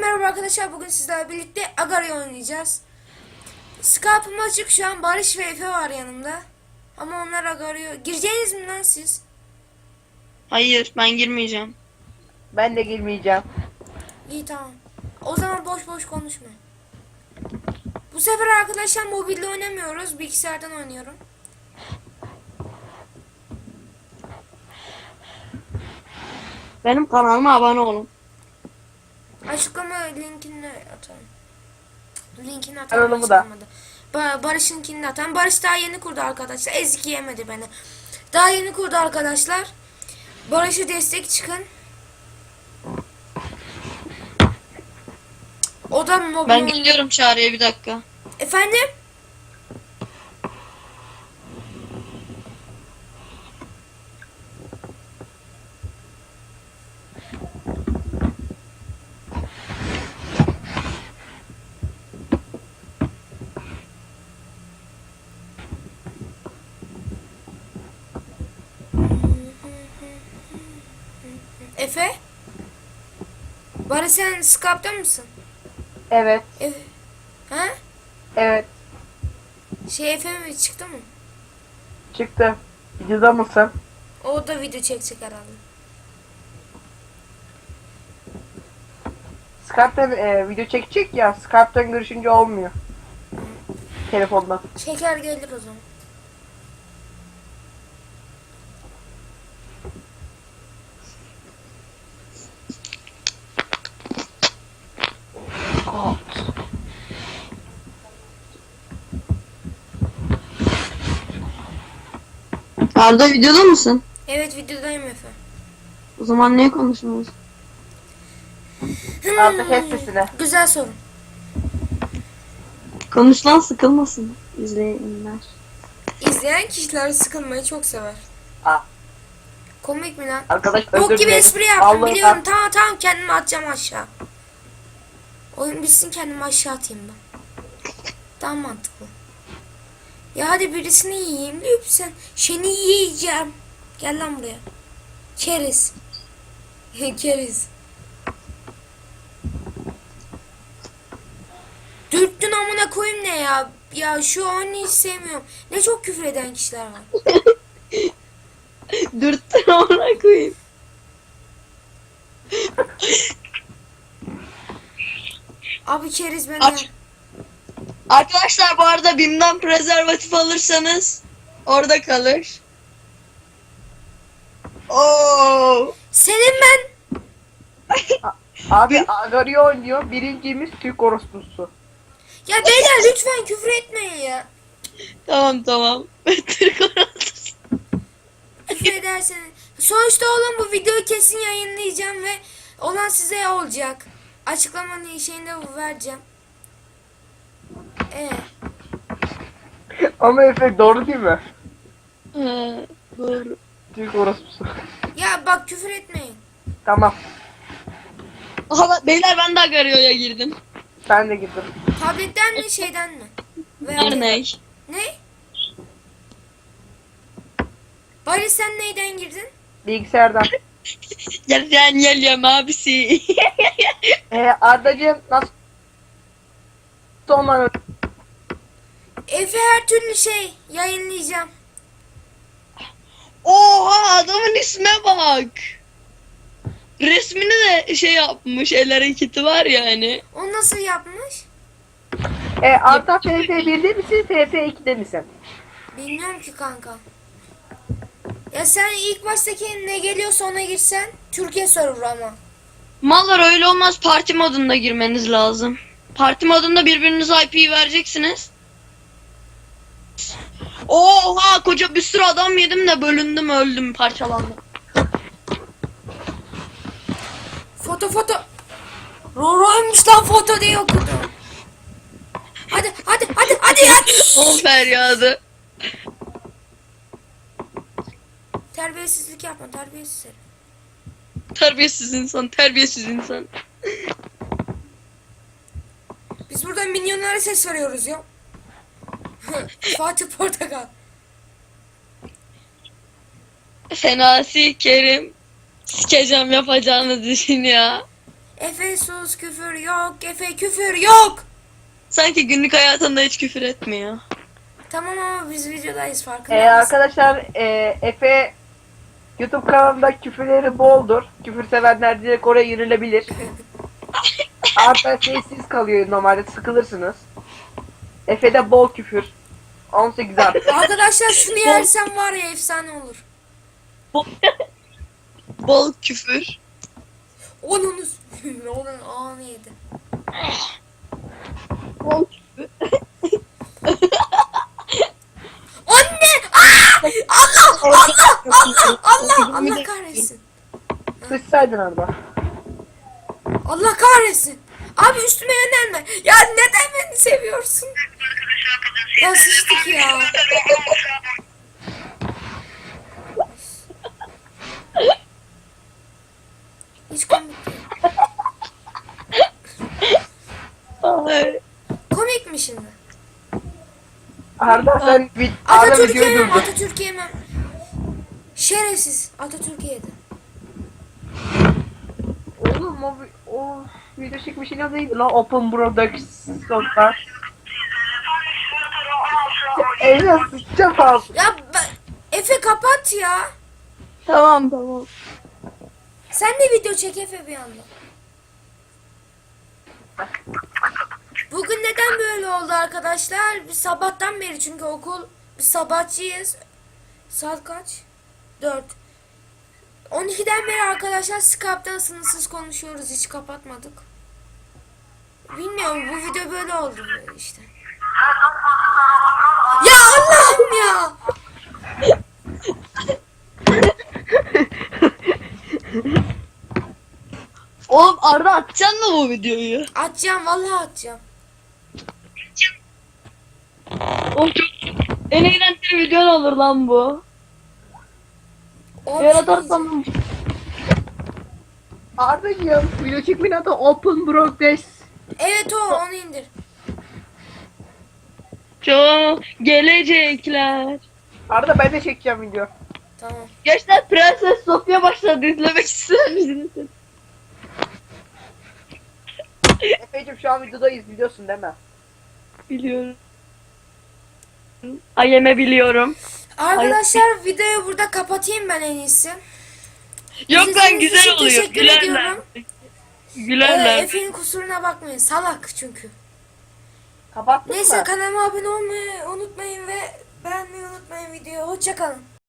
Merhaba arkadaşlar, bugün sizlerle birlikte Agario oynayacağız. Skype'ım açık şu an, Barış ve Efe var yanımda. Ama onlar Agario. Gireceğiniz mi lan siz? Hayır, ben girmeyeceğim. Ben de girmeyeceğim. İyi, tamam. O zaman boş boş konuşma. Bu sefer arkadaşlar mobilde oynamıyoruz, bilgisayardan oynuyorum. Benim kanalıma abone olun. Açıklama linkini atarım. Linkini atarım. Kanalımı da. Barış'ınkini atarım. Barış daha yeni kurdu arkadaşlar. Ezik yemedi beni. Daha yeni kurdu arkadaşlar. Barış'a destek çıkın. O da mobil Ben geliyorum Çağrı'ya bir dakika. Efendim? Efe? Barış, sen Skype'da mısın? Evet. Efe. Ha? Evet. Efe mi çıktı mı? Çıktı. Videoda mısın? O da video çekecek herhalde. Skype'ten video çekecek ya. Skype'ten görüşünce olmuyor. Telefondan. Çeker gelir o zaman. Arda videoda mısın? Evet, videodayım Efe. O zaman niye konuşmuyoruz? Artık kes sesini. Güzel soru. Konuş lan, sıkılmasın izleyenler. İzleyen kişiler sıkılmayı çok sever. Aa, Komik mi lan? arkadaş Bok özür gibi dilerim. espri yaptım, Vallahi biliyorum. Tamam, kendimi atacağım aşağı. Oyun bitsin, kendimi aşağı atayım ben. Daha mantıklı. Ya hadi birisini yiyeyim lütfen. Seni yiyeceğim. Gel lan buraya. Keriz. Keriz. Dürttün amına koyayım ne ya? Ya şu oyunu hiç sevmiyorum. Ne çok küfür eden kişiler var. Dürttün ona koyayım. Abi keriz beni. Aç. Arkadaşlar bu arada BİM'den prezervatif alırsanız orada kalır. Oo. Senin ben. Abi Agario oynuyor. Birincimiz Türk orospusu. Ya beyler lütfen küfür etmeyin ya. Tamam. Türk orası. Küfür ederseniz. Sonuçta oğlum, bu videoyu kesin yayınlayacağım ve olan size olacak. Açıklamanın şeyinde vereceğim. Ama Efe doğru değil mi? Doğru. Türk orospusu. Ya bak, küfür etmeyin. Tamam. Aha, beyler ben de Agario'ya girdim. Ben de girdim. Tabletten mi, şeyden mi? Örnek. Ne? Barış, sen neyden girdin? Bilgisayardan. Yerden geliyorum abisi. Ardacığım nasıl olmanı? Efe, her türlü yayınlayacağım. Oha, adamın isme bak. Resmini de yapmış. El hareketi var yani. O nasıl yapmış? Arda FF1'de misin? FF2'de misin? Bilmiyorum ki kanka. Ya sen ilk baştaki ne geliyorsa ona girsen. Türkiye server ama. Mallar öyle olmaz. Parti modunda girmeniz lazım. Parti modunda birbirinize IP'yi vereceksiniz. Oha, koca bir sürü adam yedim de bölündüm, öldüm, parçalandım. Foto. Roro'ymuş lan, foto diye okudum. Hadi ya. O feryadı. Terbiyesizlik yapma, terbiyesiz herif. Terbiyesiz insan. Biz burada milyonlara ses veriyoruz ya. Fatih Portakal. Fenasi Kerim. Sikeceğim yapacağınız işin ya. Efe sus, küfür yok. Efe küfür yok. Sanki günlük hayatında hiç küfür etmiyor. Tamam ama biz videodayız, farkında mısın? Arkadaşlar Efe YouTube kanalında küfürleri boldur. Küfür sevenler direkt oraya yönelebilir. Arta sessiz kalıyor normalde, sıkılırsınız. Efe'de bol küfür. 18 artı. Arkadaşlar şunu yersem var ya efsane olur. Bol küfür. Onun onun ağını yedi. Bol küfür. Anne! Aa! Allah kahretsin. Sıçsaydın Arda. Allah kahretsin. Abi üstüme yönelme. Ya neden beni seviyorsun? Ya sıçtık ya. Hiç komik değil. Ay. Komik mi şimdi? Arda sen Arda Atatürk'ü videoyu yemem, durdur. Atatürk'ü yemem. Şerefsiz. Atatürk'ü yedi. Oğlum o video çekmişin adı neydi lan? Open Productions'lar. Eline sıçacağım ağzına. Ya Efe kapat ya. Tamam tamam. Sen de video çek Efe bir yandan. Bugün neden böyle oldu arkadaşlar? Biz sabahtan beri, çünkü biz sabahçıyız. Saat kaç? 4. 12'den beri arkadaşlar Skype'dan sınırsız konuşuyoruz. Hiç kapatmadık. Bilmiyorum, bu video böyle oldu böyle işte. Ya Allah'ım ya. Oğlum Arda atacaksın mı bu videoyu? Atacağım, vallahi atacağım. Oğlum çok en eğlenceli videon olur lan bu. O Eğer atarsan Arda'cığım video çekmenin adı Open Productions. Evet, onu indir. çok gelecekler. Arda ben de çekeceğim video. Tamam. Gençler Prenses Sofya başladı, izlemek ister misiniz? Efe'cim şu an videodayız, biliyorsun değil mi? Biliyorum. Ayeme biliyorum. Arkadaşlar videoyu burada kapatayım ben en iyisi. Yok İzlediğiniz lan güzel için oluyor. teşekkür Gülerler. ediyorum. Gülerler. Efe'nin kusuruna bakmayın. Salak çünkü. Kapattın Neyse, mı? kanalıma abone olmayı unutmayın ve beğenmeyi unutmayın videoyu. Hoşça kalın.